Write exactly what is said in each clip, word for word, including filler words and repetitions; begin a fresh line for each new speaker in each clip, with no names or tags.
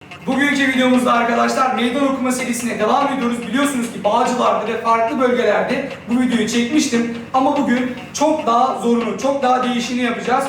Bugünkü videomuzda arkadaşlar meydan okuma serisine devam ediyoruz. Biliyorsunuz ki Bağcılar'da ve farklı bölgelerde bu videoyu çekmiştim. Ama bugün çok daha zorunu, çok daha değişini yapacağız.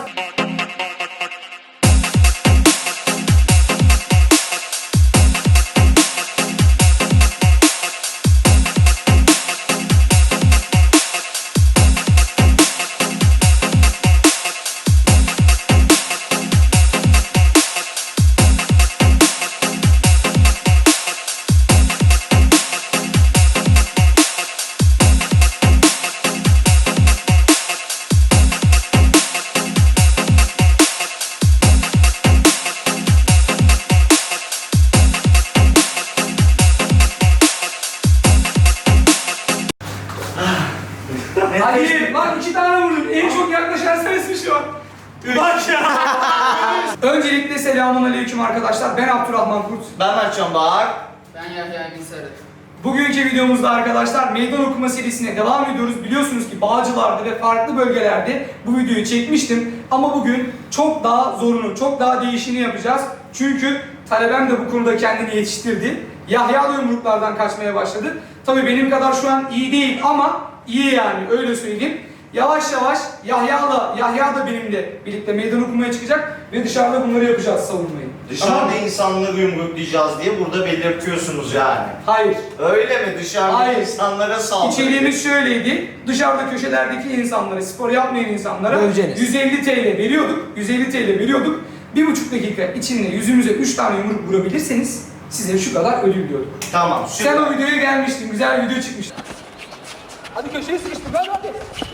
Hadi lan iki tane vurdum. En çok yaklaşan sensin şu an. Bak ya. Öncelikle selamünaleyküm arkadaşlar. Ben Abdurrahman Kurt.
Ben Mertcan Bağır.
Ben Yahya Emin Sarı.
Bugünkü videomuzda arkadaşlar meydan okuma serisine devam ediyoruz. Biliyorsunuz ki Bağcılar'da ve farklı bölgelerde bu videoyu çekmiştim. Ama bugün çok daha zorunu, çok daha değişini yapacağız. Çünkü talebem de bu konuda kendini yetiştirdi. Yahya da yumruklardan kaçmaya başladı. Tabii benim kadar şu an iyi değil ama iyi yani, öyle söyleyeyim. Yavaş yavaş Yahya da, Yahya da benimle birlikte meydan okumaya çıkacak ve dışarıda bunları yapacağız, savunmayı.
Dışarıda
Tamam.
insanları yumruklayacağız diye burada belirtiyorsunuz yani.
Hayır.
Öyle mi? Dışarıda
Hayır.
insanlara saldırı.
İçeriğimiz şöyleydi. Dışarıda köşelerdeki insanlara, spor yapmayan insanlara
Döveceğiniz.
yüz elli TL veriyorduk. yüz elli TL veriyorduk. Bir buçuk dakika içinde yüzümüze üç tane yumruk vurabilirseniz size şu kadar ödül diyorduk.
Tamam, süper.
Sen o videoya gelmiştin. Güzel bir video çıkmıştı. Hadi köşeye sıkıştık. Hadi hadi.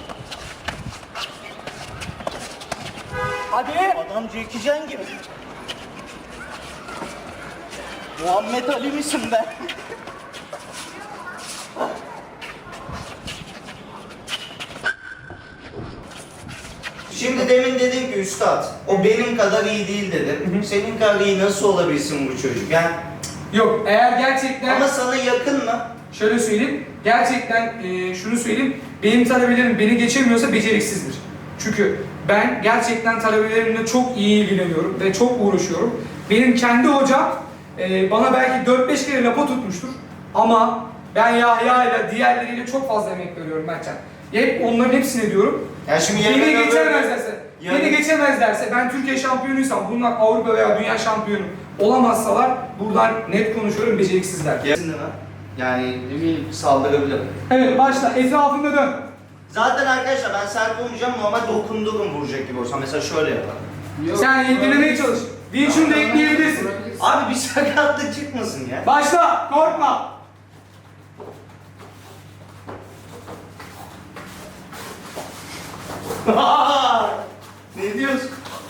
Hadi.
Adam Jackie Chan gibi. Muhammed Ali misin be? Şimdi demin dedin ki üstad, o benim kadar iyi değil dedin. Senin kadar iyi nasıl olabilsin bu çocuk? Yani,
Yok, eğer gerçekten...
ama sana yakın mı?
Şöyle söyleyeyim, gerçekten e, şunu söyleyeyim, benim talebelerim beni geçemiyorsa beceriksizdir. Çünkü ben gerçekten talebelerimle çok iyi ilgileniyorum ve çok uğraşıyorum. Benim kendi hocam e, bana belki dört beş kere lapa tutmuştur ama ben Yahya ile diğerleriyle çok fazla emek veriyorum Mertcan. Hep onların hepsine diyorum.
Ya şimdi
Beni
yemin
geçemezlerse,
Yani-
beni geçemezlerse, ben Türkiye şampiyonuysam, bunlar Avrupa veya Dünya şampiyonu olamazsalar, buradan net konuşuyorum, beceriksizler.
Kesin değil mi? Yani
Eminim.
saldırabilir.
Evet, başla. Etrafında dön.
Zaten arkadaşlar ben sert olmayacağım, normal dokundurum vuracak gibi olsa. Mesela şöyle yapalım.
Yok,
Sen ilgilenmeye çalış. Wing Chun da ekleyebilirsin.
Abi bir sakatlık çıkmasın ya.
Başla, korkma.
Ne diyorsun?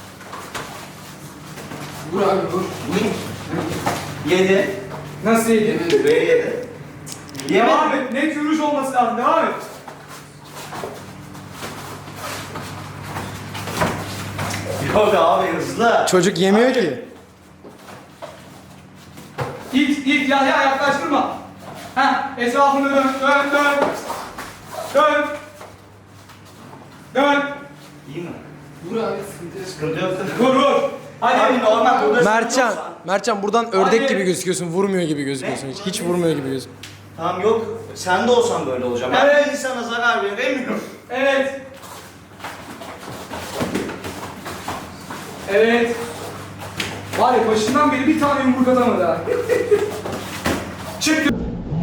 Vur abi vur.
Yedi.
Nasıl yedi?
Buraya yedi.
Devam et. Net yürüyüş olması lazım. Devam et.
Yok abi hızlı.
Çocuk yemiyor ki.
İlk, ilk Yahya yaklaştırma. Heh, etrafını dön, dön, dön. Dön. Dön.
İyi mi?
Vur abi sıkıntı yok.
Sıkıntı yok.
Vur, vur. Hadi.
Abi normal burada
Mertcan,
sıkıntı yoksa-
Mertcan buradan ördek
Hadi.
gibi gözüküyorsun, vurmuyor gibi gözüküyorsun. Hiç, hiç vurmuyor gibi gözüküyorsun.
Tamam yok. Sen de olsan böyle olacağım. Ben
Evet.
bir insana zarar veremiyorum.
Evet. Evet. Var ya, başından beri bir tane yumruk atamadı ha. Çık.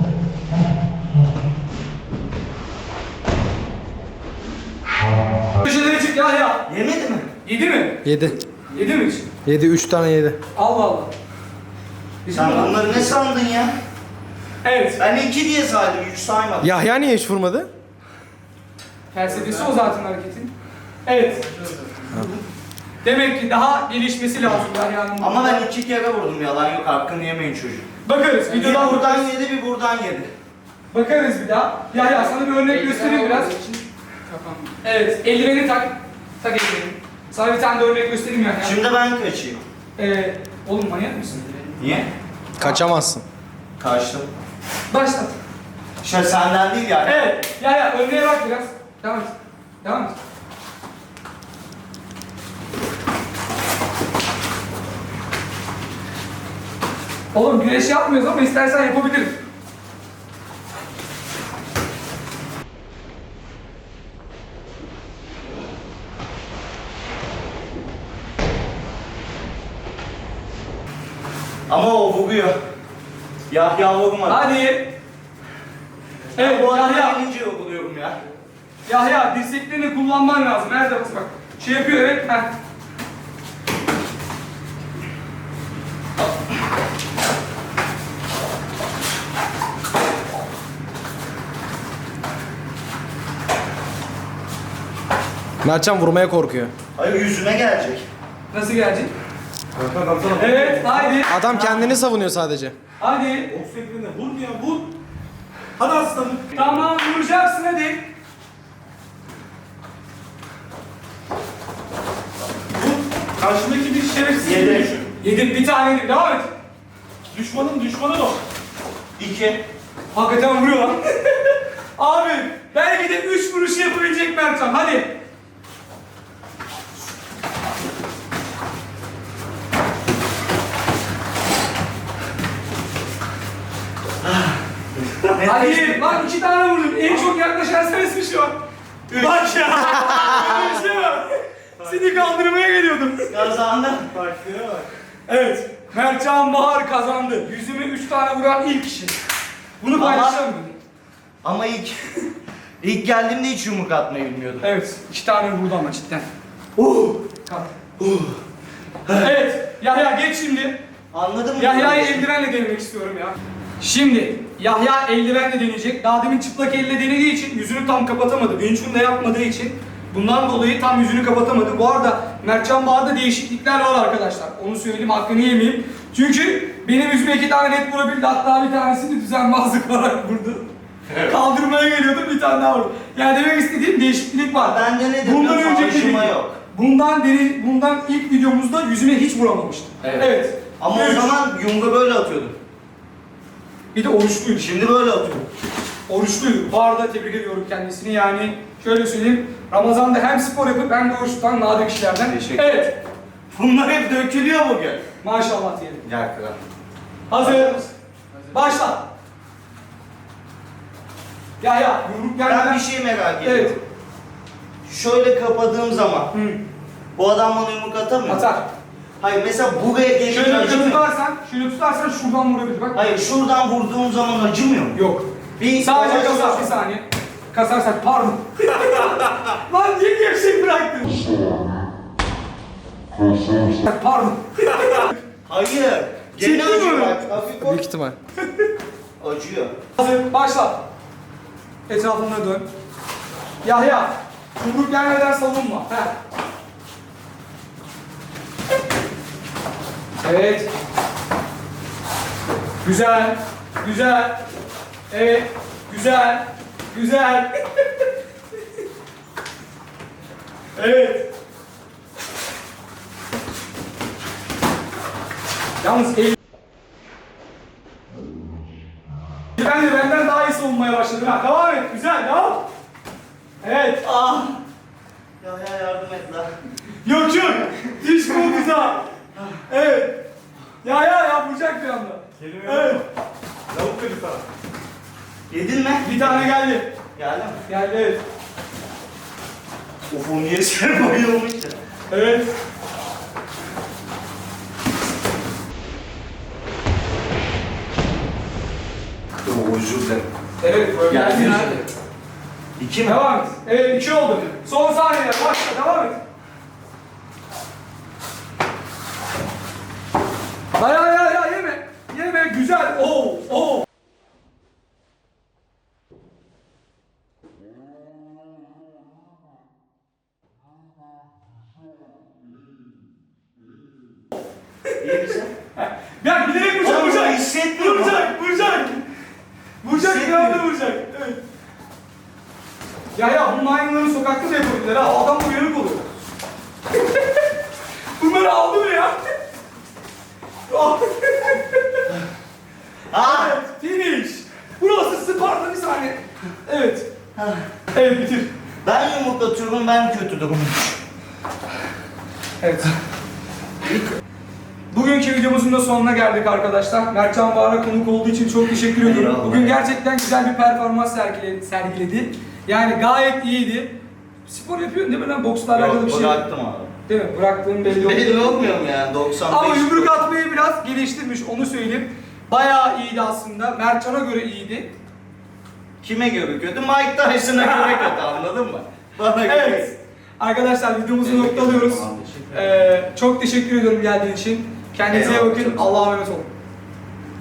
Köşelere çık Yahya.
Yemedi mi?
Yedi mi?
Yedi.
Yedi mi hiç?
Yedi, üç tane yedi.
Allah Allah.
Sen bunları ne sandın ya?
Evet.
Ben iki diye saydım, üç saymadım.
Yahya niye hiç vurmadı?
Felsefesi o zaten hareketin. Evet. Demek ki daha gelişmesi lazım Yahya'nın.
Ama ben iki kere vurdum, yalan yok, hakkını yemeyin çocuk.
Bakarız.
Bir
Videodan
buradan
bakarız.
yedi, bir buradan yedi.
Bakarız bir daha. Yahya sana bir örnek göstereyim biraz.
Kafam.
Evet. Eldiveni tak. Tak eldiveni. Sana bir tane de örnek göstereyim Yahya.
Şimdi ben kaçayım.
Ee, oğlum manyak mısın?
Niye?
Kaçamazsın.
Kaçtım.
Başlat.
Şey senden değil yani.
Evet. Yahya önüne bak biraz. Devam et. Devam et. Oğlum güneş yapmıyoruz ama istersen yapabilirim.
Ama o vuruyor. Yahya vurmadı.
Hadi. Evet
Bu arada
Yahya.
gelince vuruluyorum ya.
Yahya dirseklerini kullanman lazım. Her defasında bak. Şey yapıyor evet. Heh.
Mertcan vurmaya korkuyor.
Hayır yüzüme gelecek.
Nasıl gelecek? Evet haydi.
Adam kendini savunuyor sadece.
Hadi.
Boks ekranına vur ya vur. Hadi aslanım.
Tamam vuracaksın hadi.
Vur. Karşındaki bir şerefsiz
Yedi.
gibi düşün.
Yedim bir tane yedim. Devam et.
Düşmanın düşmanı o.
İki.
Hakikaten vuruyor lan. Abi belki de üç vuruş yapabilecek Mertcan. Hadi. Hadi lan iki tane vurdun. En çok yaklaşan sensin şu an. Bak ya. Böyle bir şey var. Seni kaldırmaya geliyordum.
Kazandım.
Taktiğe bak.
Evet. Mertcan Bahar kazandı. Yüzüme üç tane vuran ilk kişi. Bunu
Ama-
paylaşacağım.
Ama ilk ilk geldiğimde hiç yumruk atmayı bilmiyordum.
Evet. iki tane vurdu ama cidden.
Uh.
Kalk. Evet. Yahya geç şimdi.
Anladın mı?
Yahya'yı eldivenle denemek istiyorum ya. Şimdi Yahya eldivenle deneyecek. Daha demin çıplak elle denediği için yüzünü tam kapatamadı. Vinçun da yapmadığı için bundan dolayı tam yüzünü kapatamadı. Bu arada Mertcan Bağ'da değişiklikler var arkadaşlar. Onu söyleyeyim, hakkını yemeyeyim. Çünkü benim yüzüme iki tane net vurabildi. Hatta bir tanesini düzenbazlık olarak vurdu. Kaldırmaya geliyordu, bir tane daha vurdu. Yani demek istediğim değişiklik var.
Ben de ne dedim?
Bundan önceki
Acıma
video-
yok.
Bundan deri, bundan ilk videomuzda yüzüme hiç vuramamıştım.
Evet. Ama
Üç.
o zaman yumruğu böyle atıyordum.
Bir de oruçluydu.
Şimdi böyle atıyorum.
Oruçluydu. Bu arada tebrik ediyorum kendisini. Yani şöyle söyleyeyim. Ramazan'da hem spor yapıp hem de oruç tutan nadir kişilerden.
Teşekkür
Evet.
Bunlar hep dökülüyor bugün.
Maşallah diyelim.
Gel kral.
Hazır. Başla. Ya ya yumruk
Ben
gelmeden.
bir şey merak ediyorum.
Evet.
Şöyle kapadığım zaman
Hı.
bu adam bana yumruk atamıyor.
Atar.
Hayır mesela buraya gelince
Şöyle
acımıyor.
tutarsan, şöyle tutarsan şuradan vurabilir. Bak.
Hayır şuradan vurduğum zaman acımıyor mu?
Yok.
Bir
Sadece
yavaş
kasar.
yavaş-
Bir saniye. Kasarsak pardon. Lan niye gevşek bıraktın? Pardon.
Hayır. Gene
Ciddi mi?
acıyor bak. Hafif bak.
Büyük ihtimal.
Acıyor.
Hazır. Başla. Etrafına dön. Yahya. Yumruk gelmeden savunma. Heh. Evet. Güzel. Güzel. Evet. Güzel. Güzel. Evet. Yalnız el... Ben de benden daha iyi savunmaya başladım. Ha, devam et. Güzel. Devam. Evet.
Ah. Ya ya yardım et lan.
Yok yok. Diş komuza. Evet. Ya ya ya vuracak bir anda.
Kelime
Evet.
yok. Lavuk dedi sana.
Yedin mi?
Bir tane geldi.
Geldi mi?
Geldi evet.
Of o niye sen bayılmış ya?
Evet.
Oo özür dilerim.
Evet böyle
Geldi
geldi.
mi?
Nerede?
İki mi?
Devam et. Evet iki oldu. Son saniye. Başla devam et. Ya ya ya ya yeme. Yeme güzel. Oo oo.
İyi misin?
Ya giderek vuracak
Oğlum,
vuracak.
hissetmiyorum.
Vuracak vuracak. Vuracak bir
Hissetmiyorum.
anda vuracak. Evet. Ya ya bu maymunların sokakta da yapabilirler ha. Adam uyanık oluyor. Bunları aldı mı ya?
Ah!
Evet, finish. Burası Sparta bir saniye. Evet. Evet bitir.
Ben yumruk atıyorum, ben kötü durumum.
Evet. Bugünkü bugünkü videomuzun da sonuna geldik arkadaşlar. Mertcan Bahar'a konuk olduğu için çok teşekkür ediyorum.
Eyvallah.
Bugün gerçekten güzel bir performans sergiledi. sergiledi. Yani gayet iyiydi. Spor yapıyorsun değil mi lan? Boksla alakalı bir
Yok,
şey.
bıraktım abi.
Değil mi? Bıraktığın belli oldu.
Belli olmuyor mu yani doksan beş?
Ama yumruk atmayı biraz geliştirmiş, onu söyleyeyim. Bayağı iyiydi aslında. Mertcan'a göre iyiydi.
Kime göre kötü? Mike Tyson'a göre kötü, anladın mı? Bana göre.
Evet. Arkadaşlar videomuzu noktalıyoruz. Ee, çok teşekkür ediyorum geldiğin için. Kendinize iyi
Eyvallah,
bakın.
çok sağ ol.
Allah'a emanet olun.